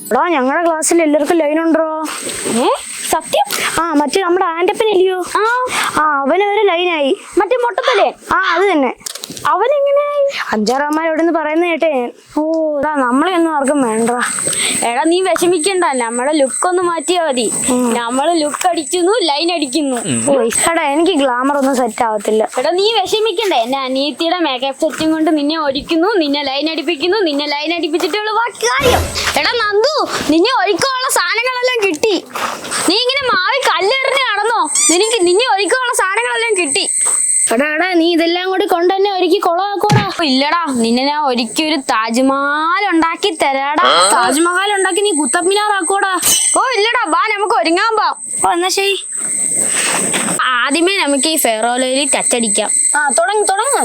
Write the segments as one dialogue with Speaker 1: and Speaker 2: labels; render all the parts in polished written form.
Speaker 1: എടാ ഞങ്ങളുടെ ക്ലാസ്സിൽ എല്ലാവർക്കും ലൈൻ ഉണ്ടോ?
Speaker 2: സത്യം?
Speaker 1: മറ്റേ നമ്മുടെ ആന്റപ്പനില്ലയോ? അവനൊരു ലൈനായി.
Speaker 2: മറ്റേ മൊട്ടത്തല്ലേ?
Speaker 1: അത് തന്നെ.
Speaker 2: അവനെങ്ങനെയായി?
Speaker 1: 5-6 അമ്മ എവിടെന്ന് പറയുന്ന കേട്ടേ. നമ്മളെ ഒന്നും ആർക്കും വേണ്ട.
Speaker 2: എടാ നീ വിഷമിക്കണ്ട, നമ്മുടെ ലുക്ക് ഒന്ന് മാറ്റിയാ മതി. നമ്മള് ലുക്ക് അടിക്കുന്നു, ലൈൻ അടിക്കുന്നു.
Speaker 1: എടാ എനിക്ക് ഗ്ലാമർ ഒന്നും സെറ്റ് ആവത്തില്ല.
Speaker 2: എടാ നീ വിഷമിക്കണ്ട, എന്റെ അനിയത്തിയുടെ മേക്കപ്പ് സെറ്റും കൊണ്ട് നിന്നെ ഒരുക്കുന്നു, നിന്നെ ലൈൻ അടിപ്പിക്കുന്നു, നിന്നെ ലൈൻ അടിപ്പിച്ചിട്ടുള്ള ബാക്കി കാര്യം. എടാ നന്ദു, നിന്നെ ഒരുക്കാനുള്ള സാധനങ്ങളെല്ലാം കിട്ടി. നീ ഇങ്ങനെ മാറി കല്ലെറിഞ്ഞ് നടന്നോ? നിന്നെ ഒരുക്കാനുള്ള സാധനങ്ങളെല്ലാം കിട്ടി.
Speaker 1: എടാ നീ ഇതെല്ലാം കൂടി കൊണ്ടുതന്നെ ഒരുക്കി കൊളാക്കൂടാ.
Speaker 2: ഇല്ലടാ, നിന്നെ ഞാൻ ഒരിക്കൽ ഒരു താജ്മഹൽ ഉണ്ടാക്കി തരാടാ.
Speaker 1: താജ്മഹൽ ഉണ്ടാക്കി നീ കുത്തബ് മിനാർ ആക്കോടാ.
Speaker 2: ഇല്ലടാ, വാ നമുക്ക് ഒരുങ്ങാൻ പോവാം.
Speaker 1: എന്നാ ശരി.
Speaker 2: ആദ്യമേ നമുക്ക് ഈ ഫെയർ ഓയിൽ ടച്ച് അടിക്കാം.
Speaker 1: തുടങ്ങ്.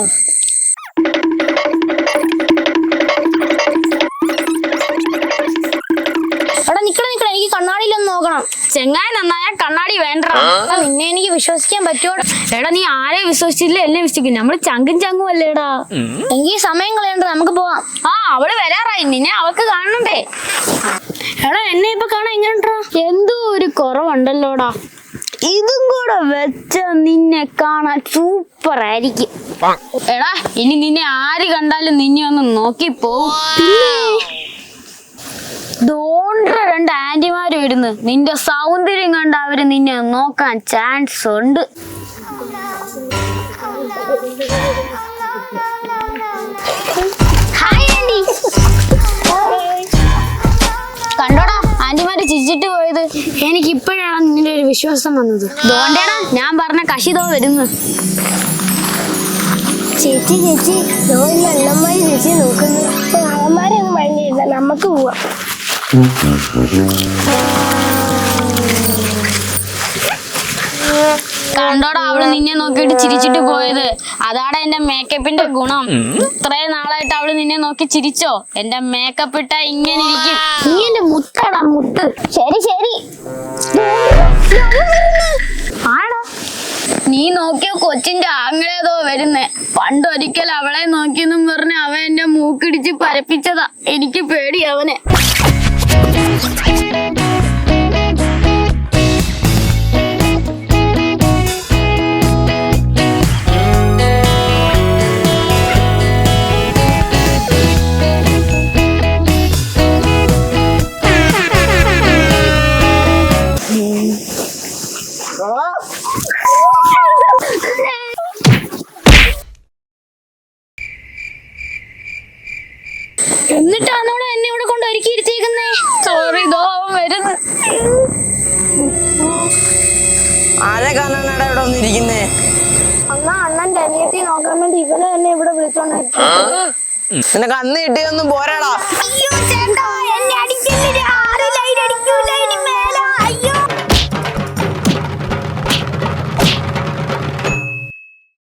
Speaker 1: എടാ നിക്കണ എനിക്ക് കണ്ണാടിയിലൊന്ന് നോക്കണം.
Speaker 2: ചെങ്ങായി നന്നായ കണ്ണാടി വേണ്ട.
Speaker 1: നിന്നെ എനിക്ക് വിശ്വസിക്കാൻ പറ്റുമോ?
Speaker 2: എടാ നീ ആരെ വിശ്വസിച്ചില്ല, എന്നെ വിശ്വസിക്കും. നമ്മള് ചങ്കും അല്ലേടാ.
Speaker 1: എനിക്ക് സമയം കളയണ്ട, നമുക്ക് പോവാം.
Speaker 2: അവള് വരാറായി, നിന്നെ അവൾക്ക് കാണണ്ടേ?
Speaker 1: എടാ എന്നെ ഇപ്പൊ കാണാൻ എങ്ങനെയുണ്ടോ?
Speaker 2: എന്തോ ഒരു കുറവുണ്ടല്ലോടാ. ഇതും കൂടെ വെച്ച നിന്നെ കാണാൻ സൂപ്പർ ആയിരിക്കും. എടാ ഇനി നിന്നെ ആര് കണ്ടാലും നിന്നെ ഒന്ന് നോക്കിപ്പോവും. ദോണ്ട 2 ആന്റിമാര് വരുന്നു. നിന്റെ സൗന്ദര്യം കണ്ട് അവര് നിന്നെ നോക്കാൻ ചാൻസ് ഉണ്ട്. കണ്ടോടാ ആന്റിമാര് ചിരിച്ചിട്ട് പോയത്.
Speaker 1: എനിക്ക് ഇപ്പോഴാണ് നിന്റെ ഒരു വിശ്വാസം വന്നത്.
Speaker 2: ദോണ്ടേടാ ഞാൻ പറഞ്ഞ കശിതോ വരുന്നു.
Speaker 1: ചേച്ചി അണ്ണന്മാര് ചേച്ചി നോക്കുന്നു. അമ്മമാരെ ഒന്നും മഴയില്ല, നമുക്ക് പോവാം.
Speaker 2: കണ്ടോടാ അവള് നിന്നെ നോക്കിയിട്ട് ചിരിച്ചിട്ട് പോയത്. അതാണ് എന്റെ മേക്കപ്പിന്റെ ഗുണം. ഇത്രയും നാളായിട്ട് അവള് നിന്നെ നോക്കി ചിരിച്ചോ? എന്റെ മേക്കപ്പ് ഇട്ടാ ഇങ്ങനെ ഇരിക്കും.
Speaker 1: നീ എന്റെ മുത്താടാ, മുത്ത്.
Speaker 2: ശരി ആടാ, നീ നോക്കിയ കൊച്ചിന്റെ ആങ്ങളേതോ വരുന്നേ. പണ്ടൊരിക്കൽ അവളെ നോക്കിയെന്നും പറഞ്ഞ് അവൻ എന്റെ മൂക്കിടിച്ച് പരപ്പിച്ചതാ. എനിക്ക് പേടി അവനെ.
Speaker 1: എന്നിട്ടാണോടെ എന്നെ ഇവിടെ കൊണ്ട് ഒരുക്കി ഇരുത്തിയേക്കുന്നേ?
Speaker 2: സോറി ദോ അവൻ വരുന്നു.
Speaker 3: ആരെ കാണാനാടാ ഇവിടെ വന്നിരിക്കുന്നേ?
Speaker 1: അണ്ണന്റെ അനിയത്തി നോക്കാൻ വേണ്ടി ഇവനെ എന്നെ ഇവിടെ വിളിച്ചോണ്ടിരിക്കും.
Speaker 3: നിനക്ക് അന്ന് കിട്ടിയൊന്നും പോരാടാ.
Speaker 2: അയ്യോ ചേട്ടാ, എന്നെ അടിക്കല്ലേ.